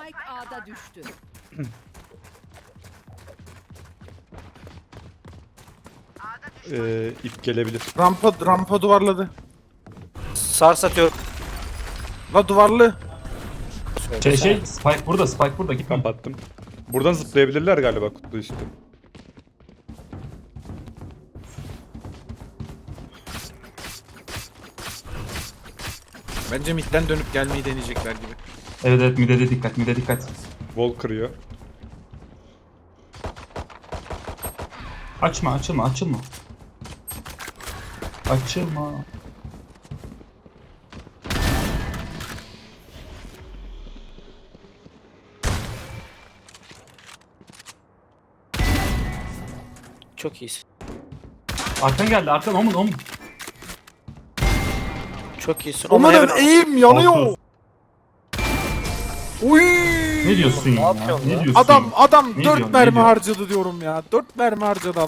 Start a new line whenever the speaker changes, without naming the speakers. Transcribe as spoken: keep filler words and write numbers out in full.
Spike A'da düştü.
Ee, ip gelebilir.
Rampa rampa duvarladı.
Sars atıyorum.
La duvarlı.
Şey şey Spike burada Spike burada gitme.
Kapattım. Buradan zıplayabilirler galiba kutu işte.
Bence midden dönüp gelmeyi deneyecekler gibi.
Evet evet mide de dikkat mide dikkat.
Wall kırıyor.
Açma açılma açılma. Açılma.
Çok iyisin.
Arkan geldi arkan omun omun.
Çok iyisin.
Aman
Heaven-
eğim yanıyor.
Altı.
Uy.
Ne diyorsun ya?
yapıyorsun
Ne
lan?
diyorsun?
Adam adam
Ne
dört
diyorsun, ne
mermi
diyorsun?
harcadı diyorum ya. dört mermi harcadı adam.